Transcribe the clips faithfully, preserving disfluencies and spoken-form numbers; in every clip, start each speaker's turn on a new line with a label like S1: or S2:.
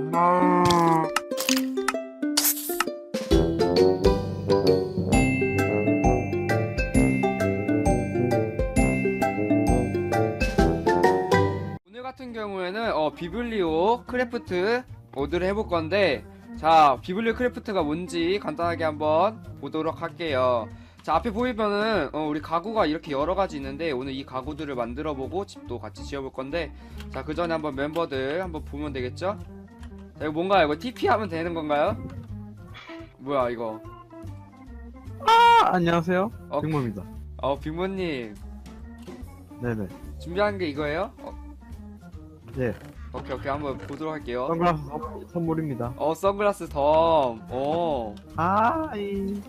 S1: 오늘 같은 경우에는 어, 비블리오 크래프트 모드를 해볼 건데, 자, 비블리오 크래프트가 뭔지 간단하게 한번 보도록 할게요. 자, 앞에 보이면은 어, 우리 가구가 이렇게 여러 가지 있는데, 오늘 이 가구들을 만들어 보고 집도 같이 지어볼 건데, 자, 그 전에 한번 멤버들 한번 보면 되겠죠? 자, 이거 뭔가요? 이거 티피 하면 되는 건가요? 뭐야 이거?
S2: 아, 안녕하세요.
S1: 어,
S2: 빅모입니다.
S1: 어, 빅모님
S2: 네네.
S1: 준비한 게 이거예요? 어,
S2: 네.
S1: 오케이 오케이, 한번 보도록 할게요.
S2: 선글라스 선- 선물입니다.
S1: 어, 선글라스 덤. 오.
S2: 아, 이.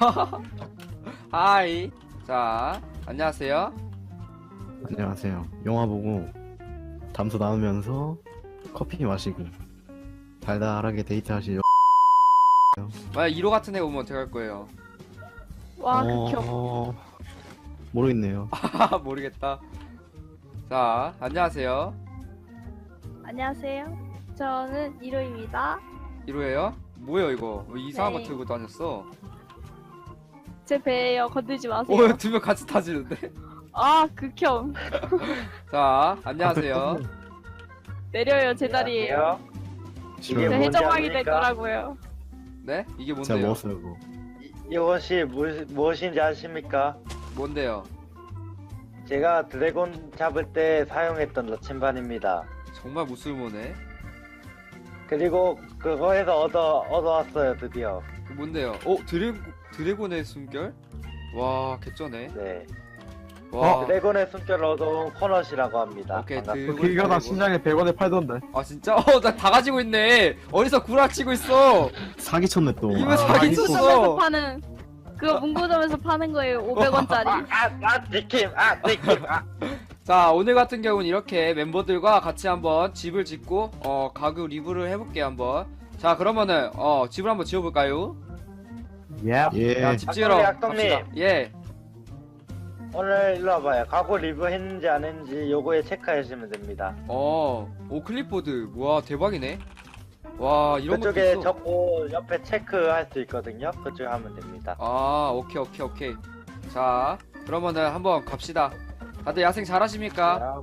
S1: 하이. 자, 안녕하세요.
S3: 안녕하세요. 영화 보고 담소 나누면서 커피 마시고 달달하게 데이트하실
S1: 만약 일 호 같은 애 오면 어떻게 할 거예요?
S4: 와,
S3: 어,
S4: 극혐.
S3: 어, 모르겠네요.
S1: 하하, 모르겠다. 자, 안녕하세요.
S4: 안녕하세요. 저는 이로입니다.
S1: 일 호예요? 뭐예요 이거? 왜 이상한
S4: 네.
S1: 거 들고 다녔어?
S4: 제 배예요. 건들지 마세요.
S1: 오, 두 명 같이 타지는데?
S4: 아, 극혐.
S1: 자, 안녕하세요.
S4: 내려요, 제 자리에요. 제
S3: 싫어요.
S5: 뭔지
S4: 해적왕이
S5: 압니까?
S4: 됐더라고요.
S1: 네? 이게
S3: 제가
S1: 뭔데요?
S3: 먹었어요 그거.
S5: 이것이 무, 무엇인지 아십니까?
S1: 뭔데요?
S5: 제가 드래곤 잡을 때 사용했던 나침반입니다.
S1: 정말 무술모네.
S5: 그리고 그거에서 얻어 얻어왔어요 드디어.
S1: 그 뭔데요? 어, 드래 드래곤의 숨결? 와, 개쩌네.
S5: 네.
S1: 와.
S5: 드래곤의 숨결을 얻어온 코넛이라고 합니다.
S1: 오케이,
S5: 반갑습니다.
S1: 드-
S2: 그 길가다
S1: 드래곤.
S2: 신장에 백 원에 팔던데.
S1: 아, 진짜? 어, 나 다 가지고 있네. 어디서 구라치고 있어?
S3: 사기 쳤네 또.
S1: 이거
S3: 아,
S1: 사기
S3: 이거-
S1: 쳤어.
S4: 문구점에서 파는, 그거 문구점에서 파는 거예요. 오백 원짜리.
S5: 아, 아, 니킴, 아, 니킴, 아.
S1: 자, 오늘 같은 경우는 이렇게 멤버들과 같이 한번 집을 짓고 어 가구 리뷰를 해볼게요 한번. 자, 그러면은 어 집을 한번 지어볼까요?
S2: 예.
S3: 예.
S1: 자, 집 지으러
S5: 악동님,
S1: 갑시다.
S5: 악동님.
S1: 예.
S5: 오늘 일로 와봐요. 가구 리뷰 했는지 안 했는지 요거에 체크하시면 됩니다.
S1: 어, 오, 클립보드. 와, 대박이네. 와, 이런 것도
S5: 그쪽에
S1: 있어.
S5: 적고 옆에 체크할 수 있거든요. 그쪽에 하면 됩니다.
S1: 아, 오케이 오케이 오케이. 자, 그러면은 한번 갑시다. 다들 야생 잘하십니까?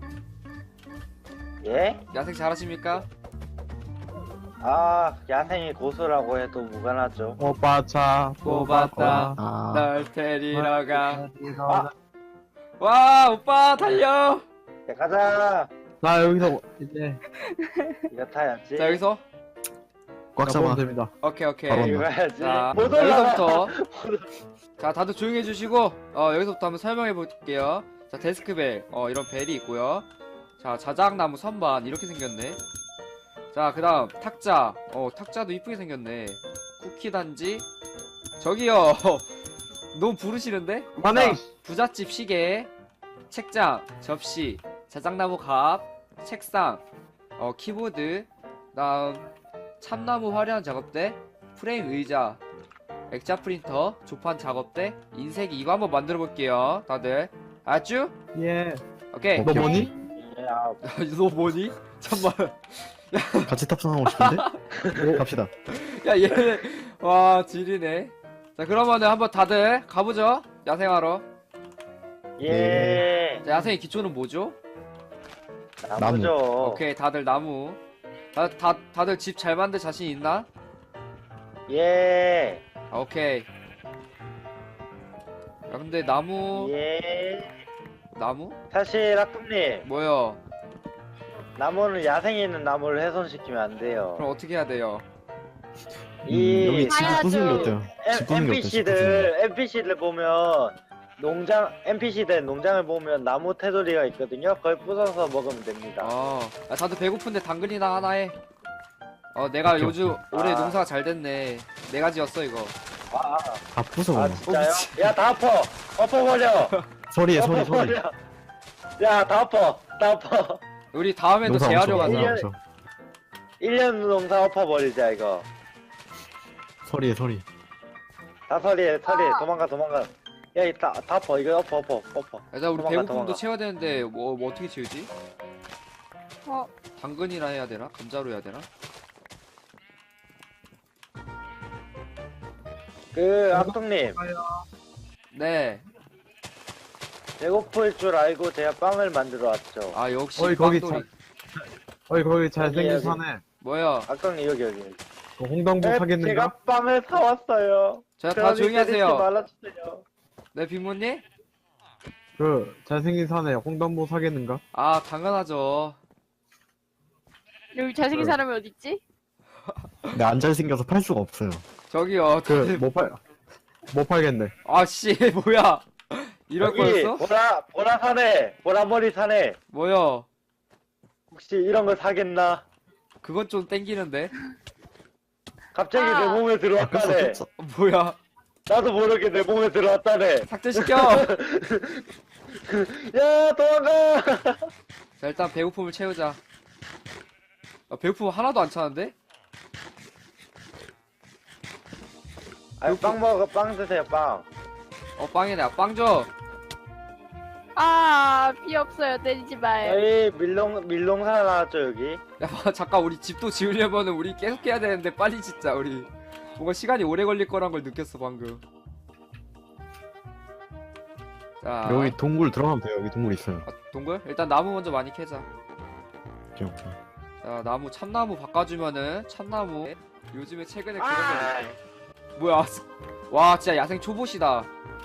S5: 예?
S1: 야생 잘하십니까?
S5: 아, 야생이 고수라고 해도 무관하죠.
S2: 오빠 차
S1: 뽑았다.
S3: 아,
S1: 널 데리러 가.
S5: 아.
S1: 와, 오빠 달려.
S5: 자, 가자.
S2: 나 여기서 이제
S5: 이거 타야지.
S1: 자, 여기서
S3: 꽉
S2: 가보면
S3: 잡아.
S2: 됩니다.
S1: 오케이 오케이.
S3: 바로
S5: 이거 해야지.
S1: 자,
S5: 못 올라가.
S1: 여기서부터. 자, 다들 조용히 해주시고, 어, 여기서부터 한번 설명해 볼게요. 자, 데스크벨, 어, 이런 벨이 있고요. 자, 자작나무 선반, 이렇게 생겼네. 자, 그 다음, 탁자, 어, 탁자도 이쁘게 생겼네. 쿠키 단지, 저기요, 너무 부르시는데?
S2: 만행.
S1: 자, 부잣집 시계, 책장, 접시, 자작나무 갑, 책상, 어, 키보드, 다음, 참나무 화려한 작업대, 프레임 의자, 액자 프린터, 조판 작업대, 인쇄기, 이거 한번 만들어 볼게요. 다들 알았죠?
S2: 예.
S1: 오케이.
S3: 어,
S2: 너 뭐니?
S5: 예, 아,
S1: 너 뭐니? 잠만.
S3: 같이 탑승하고 싶은데? 갑시다.
S1: 야, 얘네 와 지리네. 자, 그러면은 한번 다들 가보죠. 야생하러.
S5: 예.
S1: 자, 야생의 기초는 뭐죠?
S5: 나무죠.
S1: 오케이, 다들 나무. 다, 다 다들 집 잘 만들 자신 있나?
S5: 예.
S1: 아, 오케이. 야, 근데 나무
S5: 예.
S1: 나무?
S5: 사실 학급님,
S1: 뭐요?
S5: 나무는 야생에 있는 나무를 훼손시키면 안 돼요.
S1: 그럼 어떻게 해야 돼요?
S3: 음,
S5: 이
S3: 여기 집
S4: 봐야죠.
S3: 부수는 게 어때요? 집 부수는 게 어때요? 집 부수는
S5: 엔피씨들 엔피씨들 보면 농장 엔피씨들 농장을 보면 나무 테두리가 있거든요. 그걸 부숴서 먹으면 됩니다.
S1: 어, 야, 다들 배고픈데 당근이나 하나 해. 어, 내가
S3: 오케이,
S1: 요즘 올해
S5: 아.
S1: 농사가 잘 됐네. 내가 지었어 이거.
S5: 아,
S3: 다 부숴.
S5: 아
S3: 아,
S5: 진짜요?
S1: 미친.
S5: 야 다 엎어, 엎어버려.
S3: 소리에 소리 소리.
S5: 엎어버려. 야 다 엎어, 다 엎어.
S1: 우리 다음에도
S3: 농사
S1: 재하려
S3: 엄청,
S1: 가자.
S3: 농사 엄청.
S5: 일 년 농사 엎어버리자 이거.
S3: 소리에 소리.
S5: 다 서리에 서리에 도망가 도망가. 야이다 다 엎어 이거 엎어 엎어 엎어.
S1: 야, 자, 우리
S5: 도망가,
S1: 배고픔도
S5: 도망가.
S1: 채워야 되는데 뭐, 뭐 어떻게 채우지?
S4: 어,
S1: 당근이나 해야 되나? 감자로 해야 되나?
S5: 그 악동님
S1: 네.
S5: 배고플 줄 알고 제가 빵을 만들어 왔죠.
S1: 아 역시
S2: 어이, 거기
S1: 빵돌이.
S2: 어이 거기 잘생긴
S5: 여기, 여기.
S2: 사내
S1: 뭐야?
S5: 악동님 여기 여기.
S2: 그 홍당무
S5: 네,
S2: 사겠는가?
S5: 제가 빵을 사왔어요.
S1: 자, 다
S5: 그러니
S1: 조용히
S5: 때리지
S1: 하세요.
S5: 말아주세요.
S1: 네, 빅모님?
S2: 그 잘생긴 사내 홍당무 사겠는가?
S1: 아, 당연하죠.
S4: 여기 잘생긴
S2: 네.
S4: 사람이 어딨지?
S3: 근데 안 잘생겨서 팔 수가 없어요.
S1: 저기요.
S2: 그 못 팔 못 팔겠네.
S1: 아, 씨, 뭐야? 이럴
S5: 여기
S1: 거였어?
S5: 보라 보라 사네 보라머리 사네.
S1: 뭐야?
S5: 혹시 이런 거 사겠나?
S1: 그건 좀 땡기는데?
S5: 갑자기
S4: 아.
S5: 내 몸에
S3: 아,
S5: 들어왔다네.
S3: 꼈어, 꼈어.
S1: 어, 뭐야?
S5: 나도 모르게 내 몸에 들어왔다네.
S1: 삭제시켜!
S5: 야 도망가.
S1: 자, 일단 배고픔을 채우자. 아, 배고픔 하나도 안 차는데?
S5: 아니 빵 먹어 빵 드세요 빵.
S1: 어, 빵이네. 아, 빵 줘!
S4: 아, 피 없어요. 때리지 마요.
S5: 여기 밀농 밀농사 나왔죠 여기.
S1: 야, 봐, 잠깐, 우리 집도 지으려면은 우리 계속 해야 되는데, 빨리 짓자, 우리. 뭔가 시간이 오래 걸릴 거란 걸 느꼈어, 방금. 자,
S3: 여기 동굴 들어가면 돼요. 여기 동굴 있어요.
S1: 아, 동굴? 일단 나무 먼저 많이 캐자.
S3: 오케이, 오케이.
S1: 자, 나무, 참나무 바꿔주면은, 참나무. 요즘에 최근에 그런
S5: 아.
S1: 거 있어. 뭐야, 와, 진짜 야생 초보시다.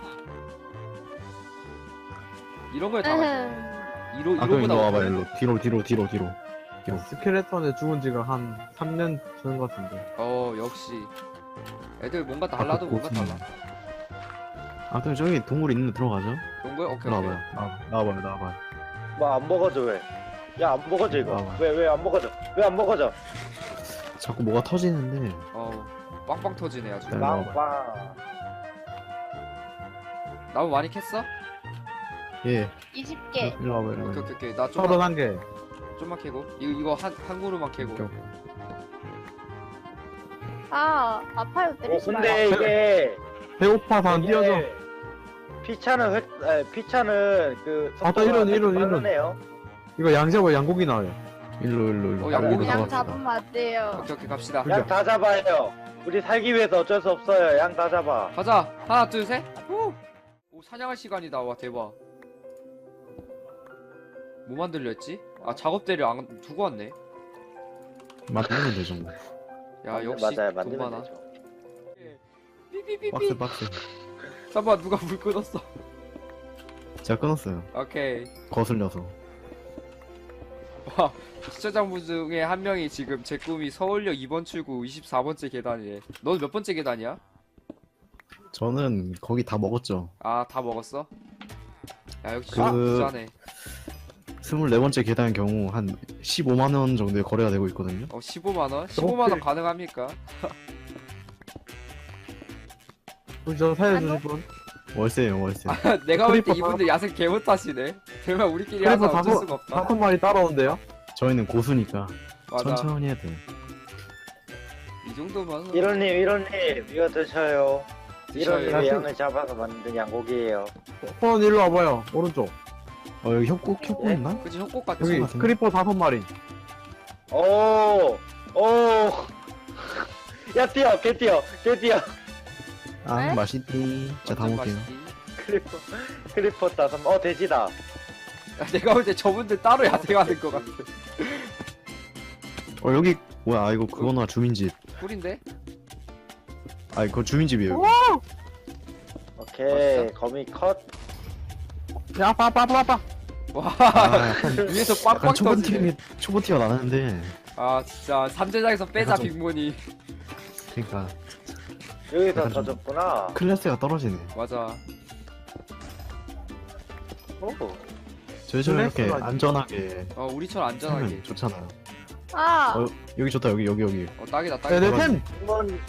S1: 이런 거에 다 맞아.
S4: 으흠.
S1: 이로,
S3: 아, 그럼
S1: 이로보다
S3: 일로 와봐,
S1: 못하네.
S3: 일로. 뒤로, 뒤로, 뒤로, 뒤로. 뒤로.
S2: 스켈레톤에 죽은 지가 한 삼 년 전 것 같은데.
S1: 어, 역시. 애들 뭔가 달라도
S3: 아,
S1: 뭔가
S3: 고수네.
S1: 달라.
S3: 아, 그럼 저기 동굴 있는데 들어가죠?
S1: 동굴? 오케이, 오케이.
S3: 나와봐요. 나와봐요, 나와봐요, 나와봐요.
S5: 뭐 안 먹어져 왜? 야 안 먹어져 이거.
S3: 나와.
S5: 왜 왜 안 먹어져? 왜 안 먹어져?
S3: 자꾸 뭐가 터지는데.
S1: 어, 빵빵 터지네, 아주.
S3: 네. 나와봐.
S5: 빵빵.
S1: 나무 많이 캤어?
S3: 예.
S4: 이십 개.
S3: 일로 와봐요, 일로
S1: 오케이,
S3: 와봐요.
S1: 오케이, 오케이. 나
S2: 서른
S1: 좀만,
S2: 한 개.
S1: 좀만 캐고. 이거, 이거 한, 한 그루만 캐고.
S3: 오케이,
S4: 아, 아파요.
S5: 어
S4: 때리지 마요.
S5: 근데 이게
S2: 배고파서 안 뛰어져.
S5: 이게 피차는 획 아, 피차는 그
S2: 아, 또 이런, 이런, 이런.
S5: 빠르네요.
S2: 이거 양잡아 양고기 나와요.
S3: 일로, 일로, 일로.
S1: 어, 양고기
S3: 일로
S4: 양
S3: 들어갑시다.
S4: 잡으면 안 돼요.
S1: 오케이, 오케이, 갑시다.
S2: 그죠?
S5: 양 다 잡아요. 우리 살기 위해서 어쩔 수 없어요. 양 다 잡아.
S1: 가자. 하나, 둘, 셋. 후. 오, 사냥할 시간이다. 와, 대박. 뭐 만들려 했지? 아, 작업대를 안 두고 왔네.
S3: 맞는 되죠, 뭐.
S1: 야, 역시
S5: 맞아요.
S1: 돈
S5: 만들면
S1: 많아.
S5: 되죠.
S1: 삐삐삐삐.
S3: 박스, 박스.
S1: 잠깐만, 누가 불 끊었어.
S3: 제가 끊었어요.
S1: 오케이.
S3: 거슬려서.
S1: 와, 시청자분 중에 한 명이 지금 제 꿈이 서울역 이 번 출구 이십사 번째 계단이래. 너는 몇 번째 계단이야?
S3: 저는 거기 다 먹었죠.
S1: 아, 다 먹었어? 야, 역시
S3: 그-
S1: 부자네.
S3: 스물네 번째 계단의 경우 한 십오만 원 정도의 거래가 되고 있거든요.
S1: 어, 십오만 원? 십오만 원 가능합니까?
S2: 혹시 저 살려주실 분?
S3: 월세예요, 월세.
S1: 내가 볼 때
S2: 크리퍼
S1: 이분들 야생 개못 하시네. 정말 우리끼리 하자
S2: 그래서
S1: 어쩔
S2: 다섯
S1: 수가 없다.
S2: 다섯 마리 따라온대요.
S3: 저희는 고수니까
S1: 맞아.
S3: 천천히 해야 돼.
S1: 이 정도면
S5: 이런님 이런님 이거 드셔요.
S1: 드셔요.
S5: 이런님이 양을 잡아서 만든 양고기예요.
S2: 폰 일로 와봐요. 오른쪽.
S3: 어, 여기 협곡, 협곡
S5: 네?
S3: 있나?
S1: 그치 협곡 같지.
S2: 여기
S3: 같은데?
S2: 크리퍼 다섯 마리.
S5: 오, 오. 야 뛰어, 개 뛰어, 개 뛰어.
S3: 아,
S4: 네?
S3: 맛있디. 자, 다
S1: 완전
S3: 먹게요.
S1: 맛있지.
S5: 크리퍼, 크리퍼 다섯. 어 돼지다.
S1: 야, 내가 볼 때 저분들 따로 야생하는 것 같아.
S3: 어, 여기, 뭐야, 아, 이거 그거나 주민집.
S1: 꿀인데?
S3: 아, 그거 주민집이에요. 여기.
S5: 오케이,
S1: 맛있어?
S5: 거미 컷.
S2: 야, 빠빠빠빠.
S1: 와,
S3: 아, 약간,
S1: 위에서
S3: 약간
S1: 빵빵
S3: 초보
S1: 터지네.
S3: 티가, 초보 티가 나는데.
S1: 아 진짜 삼재장에서 빼자
S3: 약간 좀-
S1: 빅몬이.
S3: 그니까,
S5: 여기서
S3: 약간 좀-
S5: 터졌구나.
S3: 클래스가 떨어지네.
S1: 맞아.
S5: 오.
S3: 저희처럼 이렇게
S2: 클래스가-
S3: 안전하게
S1: 어 우리처럼 안전하게.
S3: 살면 좋잖아요.
S4: 아,
S3: 어, 여기 좋다, 여기, 여기, 여기.
S1: 어 딱이다
S2: 야,
S1: 딱이다.
S2: 내 템.
S5: 한번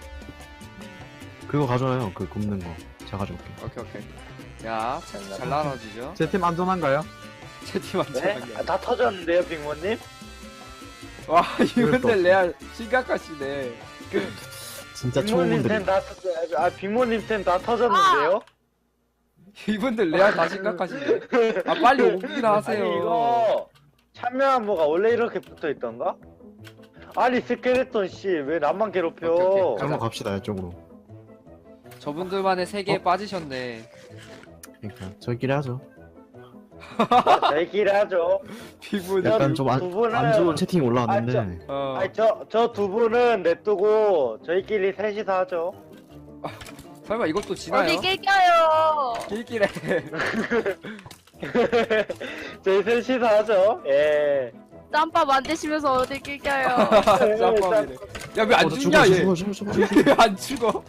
S3: 그거 가져와요, 그 굽는 거. 제가 가져올게.
S1: 오케이 오케이. 야, 잘, 잘 나눠지죠?
S2: 제 템 안전한가요?
S1: 채팅
S5: 네?
S1: 안전하게.
S5: 아, 다 터졌는데요, 빅모님?
S1: 와, 이분들 레알 심각하시네.
S3: 진짜
S5: 빅모님
S3: 초보분들이.
S5: 템 다 터졌. 아, 빅모님 템 다 터졌는데요?
S1: 이분들 레알 다 심각하시네. 아, 빨리 오기나 하세요.
S5: 아니 이거 참여한 뭐가 원래 이렇게 붙어 있던가? 아니 스켈레톤 씨 왜 나만 괴롭혀?
S1: 오케이, 오케이.
S3: 한번 갑시다, 이쪽으로.
S1: 저분들만의 세계에 빠지셨네.
S3: 그러니까 저희끼리 하죠.
S5: 저희끼리 하죠.
S1: 피부
S3: 약간 좀 안
S5: 두 분은-
S3: 안 좋은 채팅이 올라왔는데
S1: 어.
S5: 아니 저 저 두 분은 냅두고 저희끼리 셋이서 하죠.
S1: 설마 이것도 지나요?
S4: 어디 낄껴요.
S1: 길길에.
S5: 저희 셋이서 하죠. 예.
S4: 짬밥 만드시면서 어디 낄껴요.
S1: 짬밥이래. 야 왜 안
S3: 어, 나
S1: 죽냐 얘?
S3: 죽어 죽어 죽어 죽어.
S1: 왜 안 죽어?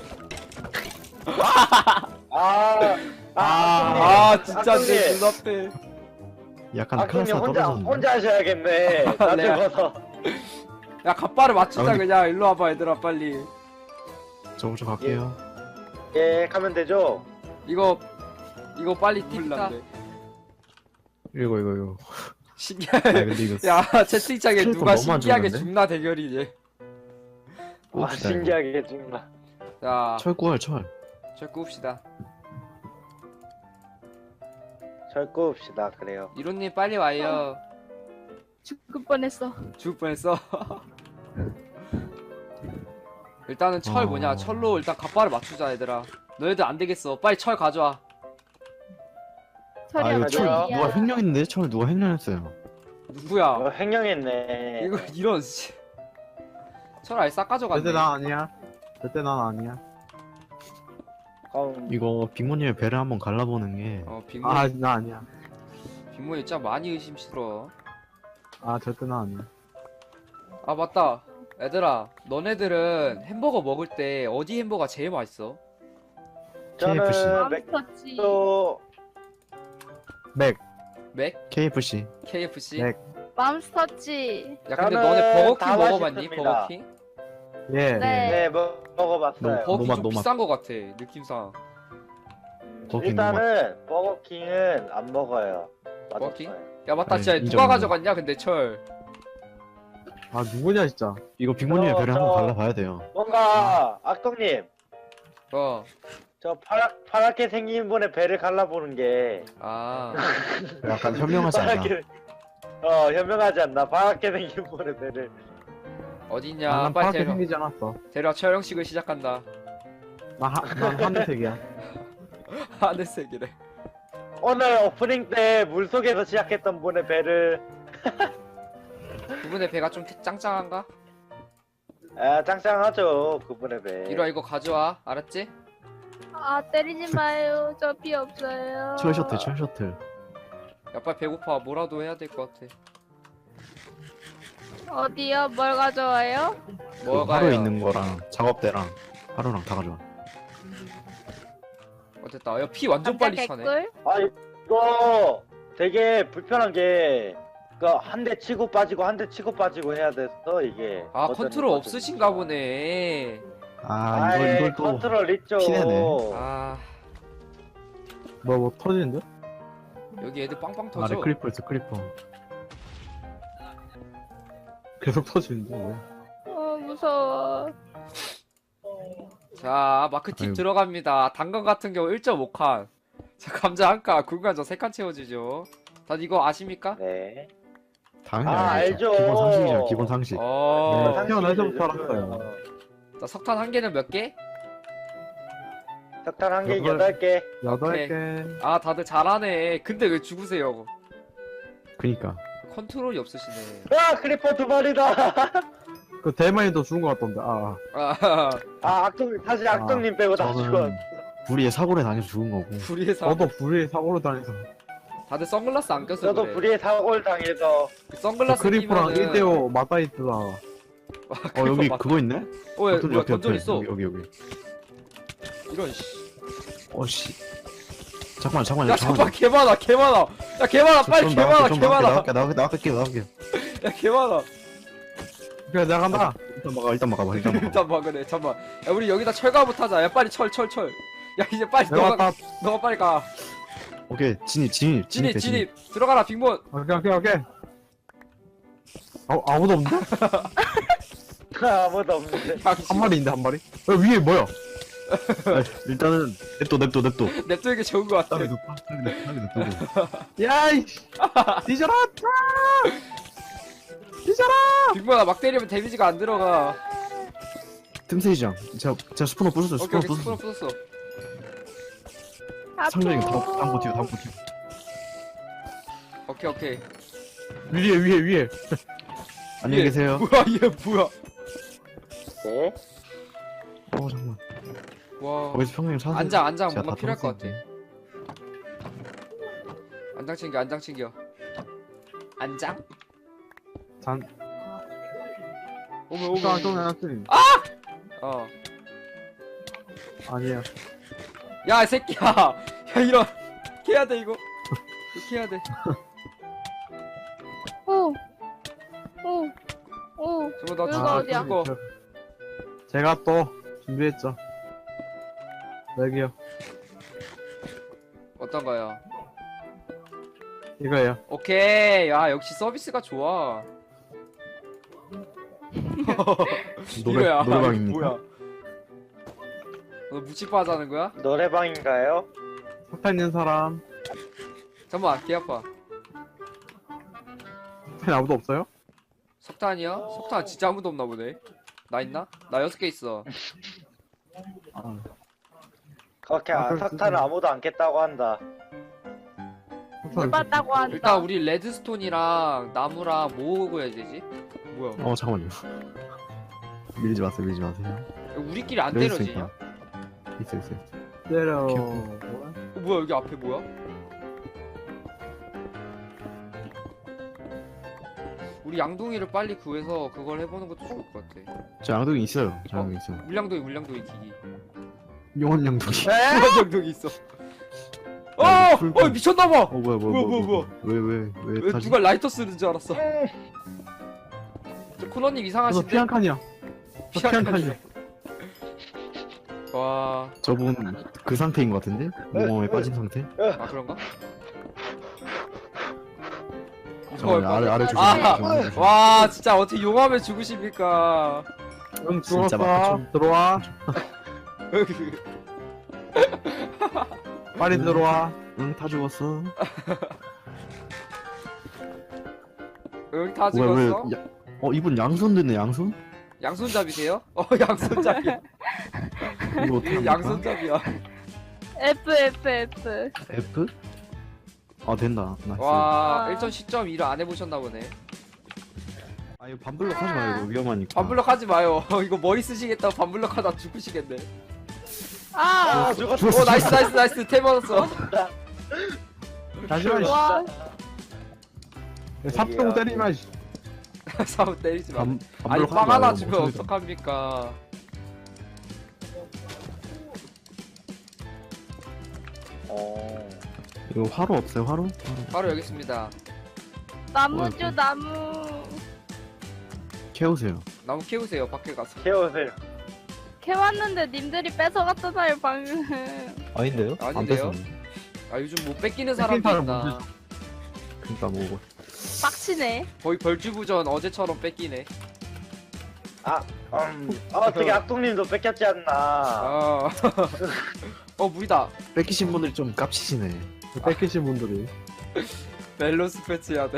S5: 아, 아,
S1: 아 진짜
S5: 악동님.
S1: 내 눈앞에.
S3: 약간
S5: 악동님
S3: 클래스가
S5: 혼자
S3: 떨어졌는데.
S5: 혼자 하셔야겠네. 나
S1: 내가-
S5: 죽어서.
S1: 야 갑바를 맞추자
S3: 아, 근데-
S1: 그냥. 일로 와봐 얘들아 빨리.
S3: 저 먼저 갈게요.
S5: 예, 가면 되죠.
S1: 이거 이거 빨리 팁다.
S3: 이거 이거 이거. 아
S1: 신기해.
S3: 근데 이거
S1: 야 채팅창에
S3: 스킬도
S1: 누가
S3: 너무 안
S1: 신기하게
S3: 좋은데?
S1: 죽나 대결이지.
S5: 아,
S3: 봅시다, 이거.
S5: 신기하게 정말.
S1: 자
S3: 철 구할 철.
S1: 절 굽시다.
S5: 절 꼽읍시다. 그래요.
S1: 이론님 빨리 와요.
S4: 죽을 뻔했어.
S1: 죽을 뻔했어. 일단은 철
S3: 어.
S1: 뭐냐 철로 일단 갑바를 맞추자 얘들아. 너희들 안 되겠어. 빨리 철 가져와.
S4: 철이
S3: 아 이거
S4: 안
S3: 철
S5: 맞아요.
S3: 누가 횡령했는데 철 누가 횡령했어요.
S1: 누구야?
S5: 어, 횡령했네.
S1: 이거 이런 씨. 철 아예 싹 가져갔네.
S2: 절대 난 아니야. 절대 난 아니야.
S5: 그럼
S3: 이거 빅모님의 배를 한번 갈라보는 게
S1: 어 빅모
S2: 아, 나 아니야.
S1: 빅모 진짜 많이 의심스러워.
S2: 아, 절대 난 아니야.
S1: 아 맞다. 얘들아 너네들은 햄버거 먹을 때 어디 햄버거가 제일 맛있어?
S3: 케이에프씨.
S5: 저는 맥
S4: 맘스터치.
S5: 도
S2: 맥.
S1: 맥?
S3: 케이에프씨.
S1: 케이에프씨?
S2: 맥.
S4: 맘스터치.
S1: 야 근데
S5: 저는
S1: 너네 버거킹
S5: 다
S1: 먹어봤니?
S5: 맛있습니다.
S1: 버거킹?
S2: 예.
S4: 네.
S5: 네, 먹, 먹어봤어요.
S3: 너무
S1: 버거킹
S3: 노맛,
S1: 좀
S3: 노맛.
S1: 비싼 거 같아 느낌상.
S3: 버거킹
S5: 일단은 버거킹은 안 먹어요.
S1: 버거킹?
S5: 맛없어요.
S1: 야 맞다
S3: 아니,
S1: 진짜
S3: 인정,
S1: 누가
S3: 인정.
S1: 가져갔냐 근데 철.
S2: 아, 누구냐, 진짜.
S3: 이거 빅모님의
S5: 저-
S3: 배를
S5: 저-
S3: 한번 갈라봐야 돼요.
S5: 뭔가 악동님
S1: 어.
S5: 저 파랗 파랗게 생긴 분의 배를 갈라보는 게
S1: 아.
S3: 약간 현명하지 않나?
S5: 파랗게 어 현명하지 않나? 파랗게 생긴 분의 배를
S1: 어딨냐
S2: 아, 난
S1: 빨리
S2: 파랗게
S1: 데려
S2: 생기지 않았어.
S1: 데려 철형식을 시작한다.
S2: 나, 하, 난 하늘색이야.
S1: 하늘색이래.
S5: 오늘 오프닝 때 물속에서 시작했던 분의 배를
S1: 그분의 배가 좀 짱짱한가?
S5: 아 짱짱하죠 그분의 배.
S1: 이리와 이거 가져와 알았지?
S4: 아 때리지 마요. 저 피 없어요.
S3: 철 셔틀 철 셔틀.
S1: 야 빨리 배고파 뭐라도 해야 될 것 같아.
S4: 어디요? 뭘 가져와요?
S3: 그
S1: 뭐가요?
S3: 하루 있는 거랑 작업대랑 하루랑 다 가져와.
S1: 어땠다. 야 피 완전
S4: 감자
S1: 빨리 차네.
S4: 개꿀?
S5: 아 이거 되게 불편한 게 그 한 대 치고 빠지고 한 대 치고 빠지고 해야 돼서 이게
S1: 아
S5: 어쩌니
S1: 컨트롤
S5: 어쩌니.
S1: 없으신가 보네.
S3: 아
S5: 아이,
S3: 이걸 이걸 또
S5: 컨트롤 있죠.
S3: 피내네.
S1: 아
S2: 뭐, 뭐 터지는데?
S1: 여기 애들 빵빵
S3: 아래
S1: 터져.
S3: 크리퍼 있어 크리퍼.
S2: 계속 터지는데, 왜?
S4: 어 무서워.
S1: 자 마크팁
S3: 아이고.
S1: 들어갑니다. 당근 같은 경우 일 점 오 칸. 자 감자 한 칸, 굵은 감자 세 칸 채워지죠. 다들 이거 아십니까?
S5: 네.
S3: 당연히
S5: 아,
S3: 알죠.
S5: 알죠.
S3: 기본 상식이잖아 기본 상식.
S1: 어.
S2: 네. 태어나서부터 알았어요.
S1: 자 석탄 한 개는 몇 개?
S5: 석탄 한 개
S2: 여덟-
S5: 여덟 개.
S2: 여덟 개.
S1: 아 다들 잘하네. 근데 왜 죽으세요?
S3: 그니까.
S1: 컨트롤이 없으시네.
S5: 아 크리퍼 두 마리다.
S2: 그 대만이도 죽은 것 같던데, 아.
S1: 아
S5: 아 악동 사실 악동님 빼고 다 죽어.
S3: 저는 불의의 사고를 당해서 죽은 거고.
S1: 불의의 사.
S2: 저도 불이 사고로 다녀서.
S1: 다들 선글라스 안 껴서
S5: 저도
S1: 그래.
S5: 불의의 사고를 당해서
S1: 그 선글라스
S2: 크리퍼랑
S1: 끼면은-
S2: 일 대 오 맞다 있더라.
S3: 어 여기
S1: 맞-
S3: 그거 있네?
S1: 어, 야,
S3: 던전
S1: 뭐야,
S3: 옆에,
S1: 던전
S3: 옆에.
S1: 있어.
S3: 여기 여기 여기.
S1: 이런 씨.
S3: 어씨. 잠깐만 잠깐만.
S1: 야, 잠깐 개 많아, 개 많아. 야, 개 많아, 빨리 개 많아, 개 많아.
S3: 나갈게 나갈게 나갈게 나갈게.
S1: 야, 개 많아.
S2: 그래, 내가 간다.
S3: 일단 막아 일단 막아봐 일단 막아.
S1: 일단 봐, 그래, 잠만. 야, 우리 여기다 철가부터 하자. 야, 빨리 철, 철, 철. 야, 이제 빨리
S2: 내가
S1: 너가,
S2: 왔다.
S1: 너가 빨리 가.
S3: 오케이 진입 진입
S1: 진입,
S3: 진입해,
S1: 진입. 들어가라, 빅몬.
S2: 오케이, 오케이, 오케이. 아, 아무도 없는데?
S5: 아무도 없는데.
S2: 한 마리 있는데, 한 마리? 어, 위에 뭐야?
S3: 아, 일단은 냅둬 냅둬 냅둬.
S1: 냅두기 좋은 것 같아.
S3: 땅에 눕 땅에 눕 땅에 냅두고.
S2: 야이! 뒤져라! 뒤져라!
S1: 빅몬아, 막 때리면 데미지가 안 들어가.
S3: 틈새이장. 제가 제가 스포너 부쉈어요.
S1: 오케이
S3: 스포너
S1: 오케이 스포너
S3: 부쉈어.
S1: 부쉈어.
S3: 상정이 다음
S4: 아프.
S3: 다음 버티고 다음 버티고.
S1: 오케이 오케이.
S2: 위에 위에 위에.
S3: 안녕히
S1: 얘,
S3: 계세요.
S1: 뭐야 얘 뭐야?
S5: 네?
S3: 어 잠깐만.
S1: 와.
S3: 거기서 평생 찾아.
S1: 안장 안장
S3: 제가
S1: 뭔가
S3: 다
S1: 필요할 것 같아.
S3: 털었으니까.
S1: 안장 챙겨 안장 챙겨. 안장?
S2: 잔.
S1: 오메 오메.
S2: 좀 좀 해놨으니.
S1: 어.
S2: 아니야.
S1: 야, 이 새끼야. 야, 이런. 이렇게 해야 돼, 이거. 이렇게 해야 돼.
S4: 오. 오. 오.
S1: 저거 나
S4: 여기가
S1: 죽어,
S4: 어디야?
S1: 죽어.
S2: 제가 또 준비했죠. 여기요.
S1: 어떤 거요?
S2: 이거예요.
S1: 오케이. 야, 역시 서비스가 좋아.
S3: 노래
S1: 이거야.
S3: 노래방입니까?
S1: 뭐야? 너 무치파 하자는 거야?
S5: 노래방인가요?
S2: 석탄 있는 사람.
S1: 잠깐만, 개 아파.
S2: 석탄 아무도 없어요?
S1: 석탄이야? 석탄 진짜 아무도 없나 보네. 나 있나? 나 여섯 개 있어.
S2: 아.
S5: 그렇게
S2: 아,
S5: 아,
S2: 그럼
S5: 석탄을
S2: 쓰세요.
S5: 아무도 안 깼다고 한다.
S2: 석탄
S4: 해봤다고 한다.
S1: 일단 우리 레드스톤이랑 나무랑 뭐 구해야 되지? 뭐야?
S3: 어 잠깐만요. 밀지 마세요. 밀지 마세요.
S1: 우리끼리 안
S3: 여기
S1: 때려지냐?
S3: 있으니까. 있어 있어. 있어.
S2: 때려.
S3: 오케이,
S1: 어, 뭐야 여기 앞에 뭐야? 우리 양동이를 빨리 구해서 그걸 해보는 것도 좋을 것 같아.
S3: 저 양동이 있어요. 저 양동이 있어요.
S1: 물량동이 물량동이 기기.
S3: 용원 양동이.
S5: 에?
S1: 물량동이 있어. 어!
S3: 야, 이거 불-
S1: 어 미쳤나봐!
S3: 어 뭐야 뭐야
S1: 뭐야,
S3: 뭐야
S1: 뭐야,
S3: 왜왜왜 왜,
S1: 왜
S3: 타지?
S1: 누가 라이터 쓰는 줄 알았어. 저 코너님
S2: 그래서
S1: 이상하신데?
S2: 피한 칸이야. 저 피한 칸이야.
S1: 와...
S3: 저분 그 상태인 것 같은데? 모험에 빠진 상태?
S1: 아 그런가?
S3: 잠깐만 아래 아래 조심.
S1: 아!
S3: 조심.
S1: 와 진짜 어떻게 용암에 죽으십니까?
S2: 응
S3: 진짜
S2: 죽었어.
S3: 막혔죠.
S2: 들어와. 빨리
S3: 음.
S2: 들어와.
S3: 응, 다 죽었어.
S1: 응 다
S3: 뭐야, 왜,
S1: 죽었어?
S3: 야, 어, 이분 양손 드네, 양손?
S1: 양손잡이세요? 어 양손잡이야.
S3: 이거 어떻게 합니까?
S1: 양손잡이야.
S4: F F F.
S3: F? 아, 된다. 나이스.
S1: 와
S4: 아.
S1: 일 점 십 점 일을 안 해보셨나 보네.
S3: 아, 이거 반블럭 하지 마요, 이거 위험하니까.
S1: 반블럭 하지 마요. 이거 머리 쓰시겠다고 반블럭 하다 죽으시겠네.
S4: 아.
S5: 아, 죽었어.
S1: 오 나이스 나이스 나이스 템 얻었어.
S2: 다시마.
S4: 와.
S2: 삽동 때리마. 씨.
S1: 싸움 때리지 마.
S3: 반,
S1: 아니
S3: 반블럭
S1: 빵
S3: 하지
S1: 하나
S3: 마요,
S1: 주면
S3: 뭐 소리다.
S1: 어떡합니까?
S5: 어.
S3: 이거 화로 없어요, 화로? 화로.
S1: 바로 여기 있습니다.
S4: 나무죠
S3: 어,
S4: 나무.
S3: 캐우세요.
S1: 나무 키우세요 밖에 가서.
S5: 깨우세요.
S4: 캐왔는데 님들이 뺏어갔잖아요 방금.
S3: 아닌데요? 안
S1: 아닌데요?
S3: 뺐었는데.
S1: 아 요즘 못 뺏기는
S2: 뺏긴
S1: 사람도
S2: 사람
S1: 있나?
S2: 뭔지.
S3: 그니까 뭐,
S4: 빡치네.
S1: 거의 벌주부전 어제처럼 뺏기네.
S5: 아, 음. 어, 되게 악동님도 뺏겼지 않나.
S1: 아. 어 물이다.
S3: 뺏기신 분들이 좀 깝치시네.
S2: 뺏기신 분들이.
S1: 밸런스 패치 해야 돼.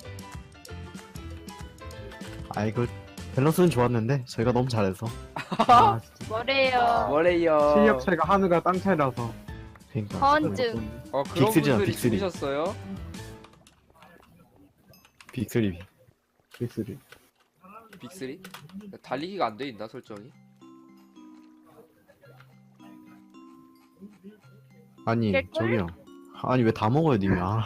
S3: 아, 이거 밸런스는 좋았는데, 저희가 너무 잘해서.
S2: 아, 진짜.
S4: 뭐래요.
S1: 뭐래요?
S2: 실력 차이가 하늘과 땅 차이라서.
S3: 그니까.
S4: 건증.
S1: 어 그런
S3: 빅쓰리잖아,
S1: 분들이
S3: 빅쓰리.
S1: 죽으셨어요?
S3: 빅스리.
S2: 빅스리.
S1: 빅쓰리? 달리기가 안 돼 있나 설정이?
S3: 아니,
S4: 개꿀?
S3: 저기요. 아니, 왜 다 먹어요, 님이? 아,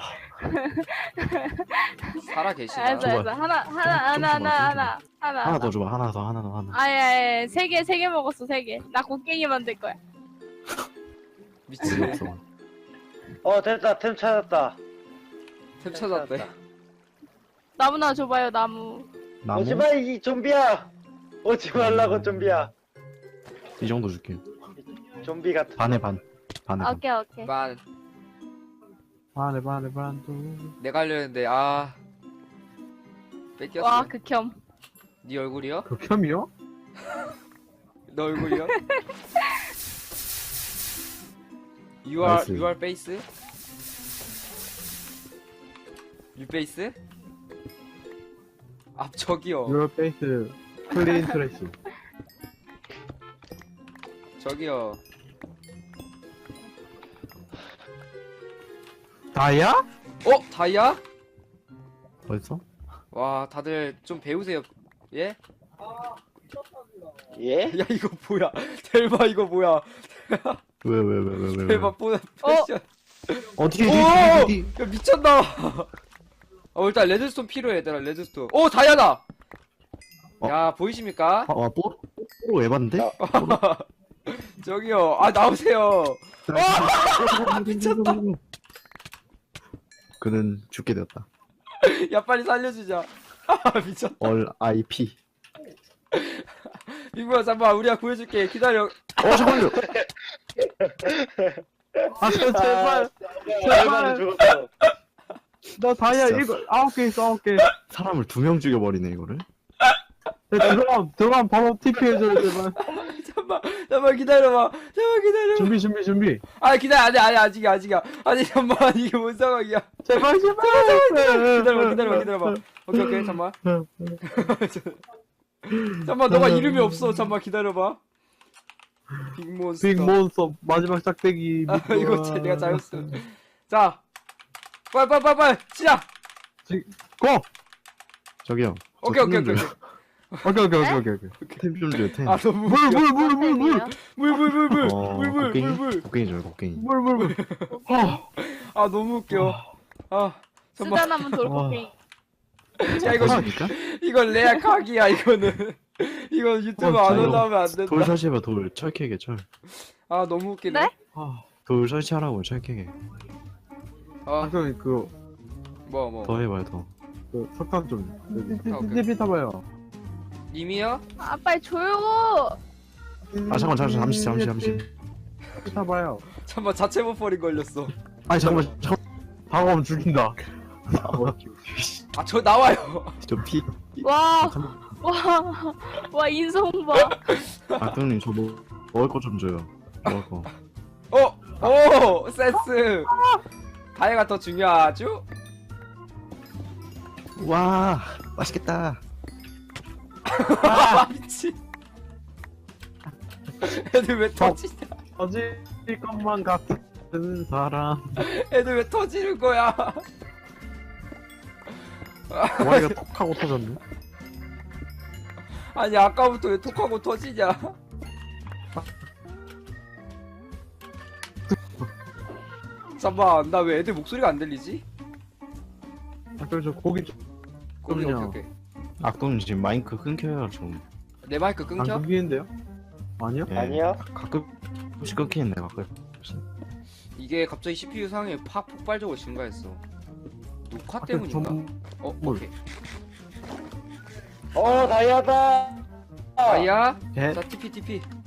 S1: 살아 계시나?
S4: 알았어
S3: 줘봐.
S4: 알았어. 하나
S3: 좀
S4: 하나
S3: 줘봐,
S4: 하나
S3: 좀
S4: 하나
S3: 줘봐.
S4: 하나 하나.
S3: 하나 더 줘봐, 하나 더, 하나 더, 하나.
S4: 아예 세개 세 개 먹었어 세 개. 나 곡괭이 만들 거야.
S1: 미친.
S3: 재미 없어.
S5: 어, 됐다. 템 찾았다.
S1: 템 찾았대.
S4: 나무나 줘봐요 나무.
S3: 나무?
S5: 오지 마, 이 좀비야. 오지 말라고, 좀비야.
S3: 이 정도 줄게요.
S5: 좀비 같은.
S3: 반에 반. 반에 반.
S4: 오케이 오케이.
S1: 만
S2: 반에 반에 반도.
S1: 내가 하려는데 아 뺏겼어.
S4: 와 극혐.
S1: 네 얼굴이요?
S2: 극혐이요?
S1: 너 얼굴이요? You are
S3: 나이스.
S1: you are face? You face? 아 저기요.
S2: Your face clean trash.
S1: 저기요.
S2: 다이아?
S1: 어? 다이아?
S3: 어딨어?
S1: 와, 다들 좀 배우세요. 예?
S5: 예?
S1: 야, 이거 뭐야? 델마 이거 뭐야?
S3: 왜 왜 왜 왜 왜?
S1: 델마 뽀 패션.
S3: 어떻게
S1: 오!
S3: 어디
S1: 야, 미쳤나? 어, 일단 레드스톤 필요해, 얘들아. 레드스톤. 오, 다이아다.
S3: 어?
S1: 야, 보이십니까?
S3: 아, 아 뽀? 뽀로 에반데?
S1: 저기요. 아, 나오세요.
S3: 미쳤다. 그는 죽게 되었다.
S1: 야, 빨리 살려주자. 아, 미쳤다.
S3: 얼 아이피.
S1: 빙구야, 잠깐만. 우리가 구해줄게. 기다려.
S3: 어 잠깐만요.
S2: 아 제발
S5: 제발 죽었어.
S2: 나 다이아
S3: 진짜.
S2: 일곱 아홉 개 있어 아홉 개.
S3: 사람을 두 명 죽여버리네 이거를.
S2: 들어가면 들어가면 바로 티피 해줘요 제발.
S1: 잠깐만. 잠깐만 기다려봐. 잠깐만 기다려.
S2: 준비 준비 준비.
S1: 아, 기다려. 아니, 아니, 아직이야, 아직이야. 아니, 잠깐만. 이게 뭔 상황이야.
S2: 제발 제발.
S1: 기다려봐, 기다려봐, 기다려봐. 오케이, 오케이. 잠깐만. 잠깐만, 너가 이름이 없어. 잠깐만, 기다려봐. 빅몬스터.
S2: 빅몬스터 마지막 짝대기.
S1: 아, 이거 제- 내가 잘했어. 자, 빨리, 빨리, 빨리, 빨리, 시작!
S2: 고.
S3: 저기요.
S1: 오케이, 오케이, 오케이.
S2: 오케이 오케이 오케이 오케이 오케이.
S3: 템좀 줘요 템.
S1: 아, 너무
S2: 물
S1: 웃겨.
S2: 물 물 물 물.
S4: 물.
S1: 물, 물, 물, 물,
S3: 어,
S1: 물, 물,
S3: 곡괭이?
S1: 물, 물.
S3: 곡괭이 줘요 곡괭이.
S2: 물 물 물. 아,
S1: 아, 너무 웃겨. 아, 잠깐만.
S4: 쓰다 남은 돌고기.
S1: 야, 이거,
S3: 하십니까?
S1: 이거 레아 각이야, 이거는. 이거 유튜브
S2: 어,
S1: 안
S2: 저요.
S1: 올라오면 안
S3: 돌
S1: 된다.
S3: 설치해봐 돌 철캐게 철.
S1: 아, 너무 웃기네.
S4: 네?
S2: 아,
S3: 돌 설치하라고 철캐게.
S1: 아,
S2: 학생님 그,
S1: 뭐, 뭐.
S3: 더 해봐요 더.
S2: 그 석탄 좀.
S1: 아, 오케이.
S2: 티피 타봐요.
S1: 님이요?
S4: 아 빨리 줘요.
S3: 아 잠깐 잠깐 잠시 잠시 잠시.
S2: 티피 타봐요.
S1: 잠깐만, 자체 버퍼링 걸렸어.
S3: 아니 잠깐만 잠깐.
S2: 다가오면 죽인다.
S1: 아, 저 나와요.
S3: 저 피.
S4: 와, 와, 와 인성 봐.
S3: 악동님 저 뭐, 먹을 거 좀 줘요. 먹을 거.
S1: 어, 오, 센스. 다이아가 더 중요하죠?
S3: 와 맛있겠다.
S1: 아, 미친. 애들 왜 터지냐?
S2: 터질 것만 같은 사람.
S1: 애들 왜 터지는 거야?
S2: 머리가 톡 하고 터졌네.
S1: 아니, 아까부터 왜 톡하고 터지냐? 잠깐만, 나 왜 애들 목소리가 안 들리지?
S2: 아, 그래서 고기 좀
S1: 오케이, 오케이,
S2: 그럼요.
S1: 오케이.
S3: 악동님 지금 마이크 끊겨요 좀.
S1: 내 마이크
S2: 안
S1: 끊겨?
S2: 끊기는데요? 아니요?
S3: 예,
S5: 아니요.
S3: 가끔씩 끊기는데 가끔.
S1: 이게 갑자기 씨피유 상황이 팍 폭발적으로 증가했어. 녹화
S2: 학교
S1: 때문인가?
S2: 전-
S1: 어,
S2: 뭘?
S1: 오케이.
S5: 어 다이아다.
S1: 아야?
S2: 예?
S1: 자, 티피, 티피.